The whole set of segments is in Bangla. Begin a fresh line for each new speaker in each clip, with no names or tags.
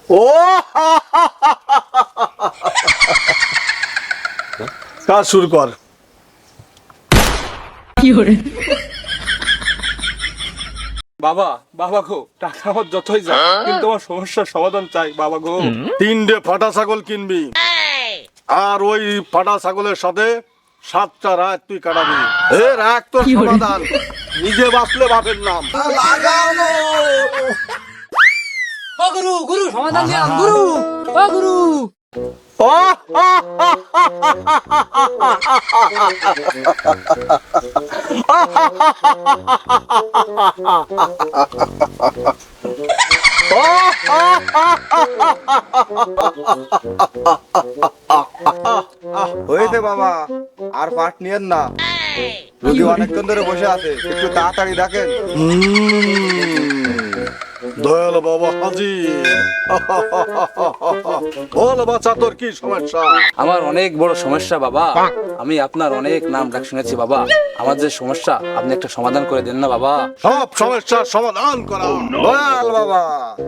ও কাজ শুরু কর।
বাবা বাবা গো, টাকা আমার যতই যায় কিন্তু আমার সমস্যার সমাধান চাই বাবা গো।
3টে ফাটা ছাগল কিনবি, আর ওই ফাটা ছাগলের সাথে 7টা রাত তুই কাটাবি। এর এক তোর সমাধান, নিজে বাঁচলে বাপের নাম।
ও গুরু, গুরু সমাধান দিলাম গুরু। ও গুরু,
হয়েছে বাবা, আর পাট নিয়েন না। রোগী অনেকক্ষণ ধরে বসে আছে, একটু তাড়াতাড়ি দেখেন।
দয়াল বাবা হাজির। বল বাচ্চা, তোর কি সমস্যা?
আমার অনেক বড় সমস্যা বাবা, আমি আপনার অনেক নাম ডাক শুনেছি বাবা। আমার যে সমস্যা আপনি একটা সমাধান করে দেন না বাবা।
সব সমস্যার সমাধান করা
দয়াল বাবা,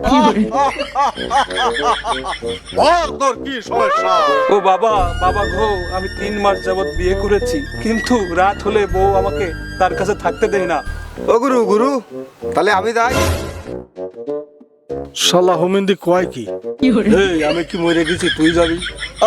বল তোর কি সমস্যা?
ও বাবা বাবা গো, আমি 3 মাস যাবত বিয়ে করেছি, কিন্তু রাত হলে বউ আমাকে তার কাছে থাকতে দেয় না।
ও গুরু, গুরু তাহলে আমি যাই।
শালা হোমেন্দি কয় কি? এই আমি কি মরে গেছি তুই যাবি?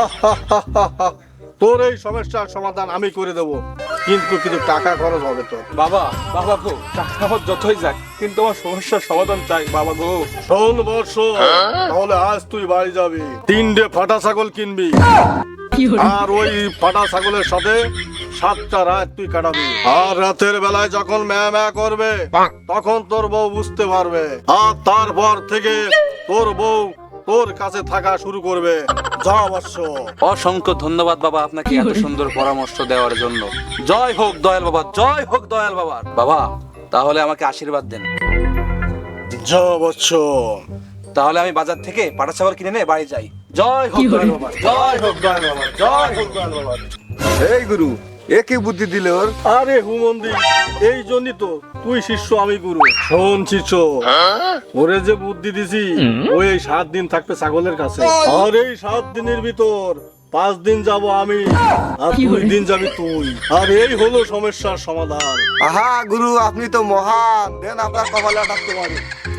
তোর এই সমস্যার সমাধান আমি করে দেব, কিন্তু কিন্তু টাকা খরচ হবে তোর।
বাবা বাবা গো, টাকা আমার যতই যাক কিন্তু আমার সমস্যার সমাধান চাই বাবা গো।
শোন বর্ষ, তাহলে আজ তুই বাড়ি যাবি, 3টে ফাটা ছাগল কিনবি, আর ওই ফাটা ছাগলের সাথে 7টা রাত তুই কাটাবি। আর রাতের বেলায় যখন ম্যা ম্যা করবে তখন তোর বউ বুঝতে পারবে, আর তারপর থেকে তোর বউ তোর কাছে থাকা শুরু করবে। যা বর্ষ।
অসংখ্য ধন্যবাদ বাবা আপনাকে এত সুন্দর পরামর্শ দেওয়ার জন্য। জয় হোক দয়াল বাবা, জয় হোক দয়াল বাবার। বাবা তাহলে আমাকে আশীর্বাদ দেন।
যা বর্ষ।
তাহলে আমি বাজার থেকে পাটা ছাগল কিনে নিয়ে বাড়ি যাই। জয় হোক দয়াল বাবা, জয় হোক দয়াল বাবা, জয় হোক দয়াল বাবা।
এই গুরু, এ কি বুদ্ধি দিলে ওর?
আরে হুমন্দি, এই জন্যই তো তুই শিষ্য আমি গুরু। শোন শিষ্য, ওরে যে বুদ্ধি দিছি, ওই 7 দিন থাকবে ছাগলের কাছে, আর এই 7 দিনের ভিতর 5 দিন যাব আমি, আর 2 দিন যাবি তুই, আর এই হলো সমস্যার সমাধান।
আহা গুরু, আপনি তো মহান, দেন আপনার কপালে ডাকতে পারি।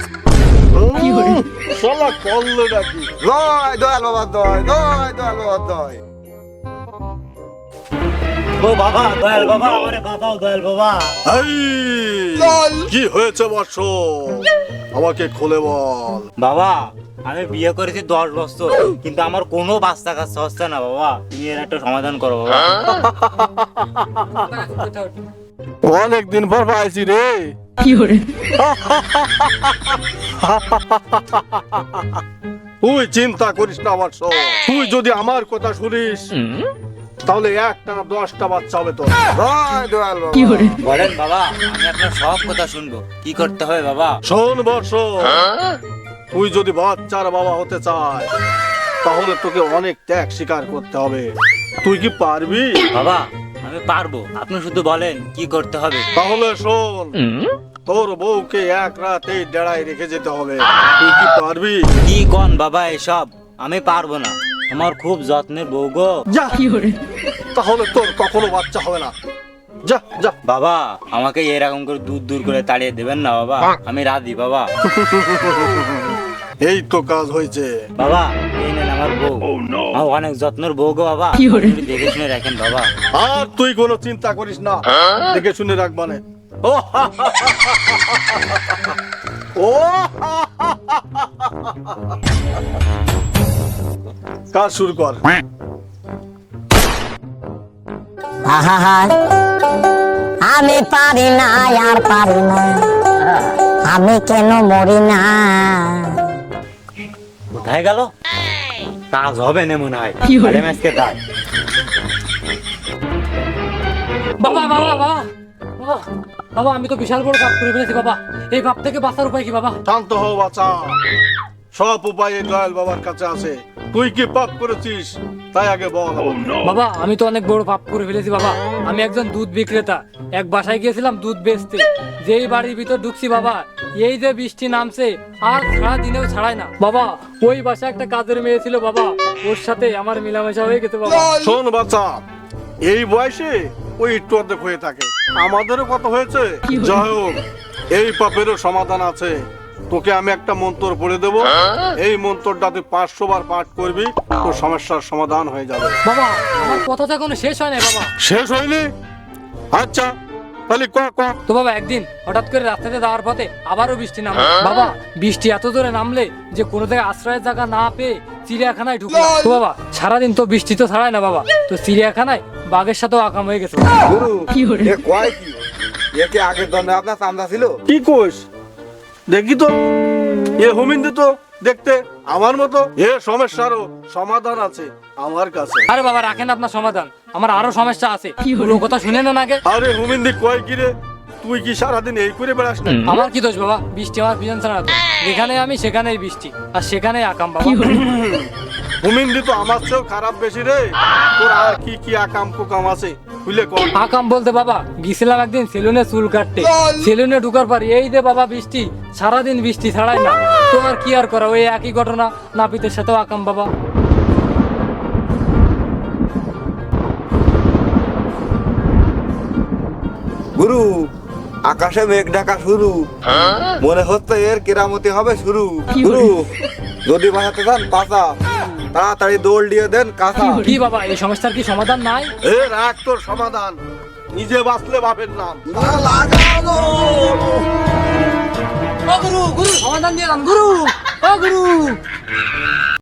শালা করলে ডাকি।
জয় দয়াল বাবা, জয় জয় দয়াল বাবা, জয়।
ও বাবা দয়াল বাবা, আমারে বাঁচাও দয়াল বাবা।
এই, কি হয়েছে বর্ষ, আমাকে খুলে বল।
বাবা আমি বিয়ে করেছি 10 বছর, কিন্তু আমার কোনো বাচ্চা কাচ্চা হচ্ছে না বাবা। তুমি এর একটা সমাধান করো বাবা।
অনেকদিন পর পাইছি রে। তুই চিন্তা করিস না বর্ষ, তুই যদি আমার কথা শুনিস তাহলে 1টা না 10টা বাচ্চা হবে তোর।
জয় দয়াল বাবা।
বলেন বাবা, আমি আপনার সব কথা শুনবো। কি করতে হবে বাবা?
শোন বর্ষ, তুই যদি বাচ্চার বাবা হতে চাস তাহলে তোকে অনেক ত্যাগ স্বীকার করতে হবে। তুই কি পারবি?
বাবা আমি পারবো, আপনি শুধু বলেন কি করতে হবে।
তাহলে শোন, তোর বউকে 1 রাতে ডেড়ায় রেখে যেতে হবে। তুই কি পারবি?
কি কোন বাবা এসব? আমি পারবো না, আমার খুব যত্নের বউ গো।
যা, তাহলে তোর কখনো বাচ্চা হবে না। যা যা।
বাবা আমাকে এরকম করে দূর দূর করে তাড়িয়ে দেবেন না বাবা, আমি রাজি বাবা।
এই তো কাজ হয়েছে।
বাবা এই নেন আমার বউ, আমার অনেক যত্নের বউ গো বাবা, একটু দেখে শুনে রাখেন বাবা।
আর তুই কোনো চিন্তা করিস না, দেখে শুনে রাখবানে। ও ও কাজ শুরু কর।
আমি পারি না, আর পারি না, আমি কেন মরি না।
কোথায় গেল? কাজ হবে না মনে হয়। আরে আজকে দাঁড়।
বাবা বাবা বাবা বাবা বাবা, আমি তো বিশাল বড় পাপ করে ফেলেছি বাবা। এই পাপ থেকে বাঁচার উপায় কি বাবা?
শান্ত হও বাচ্চা, সব উপায় এই দয়াল বাবার কাছে আছে। তুই কি পাপ করেছিস তাই আগে বল।
বাবা আমি তো অনেক বড় পাপ করে ফেলেছি বাবা। আমি একজন দুধ বিক্রেতা, এক বাসায় গিয়েছিলাম দুধ বেচতে, যেই বাড়ির ভিতর ঢুকছি বাবা, এই যে বৃষ্টি নামছে আর সারা দিনেও ছাড়ায় না বাবা। ওই বাসায় একটা কাজের মেয়ে ছিল বাবা, ওর সাথে আমার মিলামেশা হয়ে গেছে বাবা।
শোন বাচ্চা, এই বয়সে ওই একটু অর্ধেক হয়ে থাকে, আমাদেরও কত হয়েছে। যাই হোক, এই পাপেরও সমাধান আছে। তোকে আমি একটা মন্ত্র পড়ে দেব, এই মন্ত্রটা তুই 500 বার পাঠ করবি, তোর সমস্যার সমাধান হয়ে যাবে।
বাবা আমার কথাটা এখনো শেষ হয় নাই বাবা।
শেষ হয়নি? আচ্ছা তাহলে ক ক।
তো বাবা একদিন হঠাৎ করে রাস্তাতে যাওয়ার পথে আবারও বৃষ্টি নামলো বাবা। বৃষ্টি এত জোরে নামলে যে কোনো জায়গায় আশ্রয়ের জায়গা না পেয়ে চিড়িয়াখানায় ঢুকলাম। তো বাবা সারাদিন তো বৃষ্টি তো ছাড়ায় না বাবা, তো চিড়িয়াখানায় বাঘের সাথেও আকাম হয়ে গেছে।
গুরু এ কয় কি? এ কি আগের জন্মে আপনার চান্দা ছিল?
কি কোষ দেখি তো, এ হুমিন্দি তো দেখতে আমার মতো। এ সমস্যারও সমাধান আছে আমার কাছে।
আরে বাবা রাখেন আপনার সমাধান, আমার আরো সমস্যা আছে, ওগুলো কথা শুনে নেন আগে।
আরে হুমিন্দি কয় কি রে, তুই কি সারাদিন এই করে বেড়াস না?
আমার কি দোষ বাবা, বৃষ্টি আমার পিছন ছাড়া তো, যেখানে আমি সেখানেই বৃষ্টি আর সেখানেই আকাম বাবা।
হুমিন্দি তো আমার চেয়েও খারাপ বেশি রে। তোর আর কি কি আকাম কুকাম আছে খুলে কর।
আকাম বলতে বাবা গেছিলাম একদিন সেলুনে চুল কাটতে, সেলুনে ঢুকার পর এই যে বাবা বৃষ্টি, সারাদিন বৃষ্টি ছাড়ায় না। তো আর কি আর করা, ওই একই ঘটনা, নাপিতের সাথেও আকাম বাবা।
গুরু আকাশে মেঘ ঢাকা শুরু, মনে হচ্ছে এর কেরামতি হবে শুরু। গুরু যদি বাঁচাতে চান বাঁচা, তাড়াতাড়ি দৌড় দিয়ে দেন কাঁচা।
কি বাবা এই সমস্যার কি সমাধান নাই?
এ রাখ তোর সমাধান, নিজে বাঁচলে বাপের নাম।
ও গুরু, গুরু সমাধান দিয়ে দেন গুরু, ও গুরু।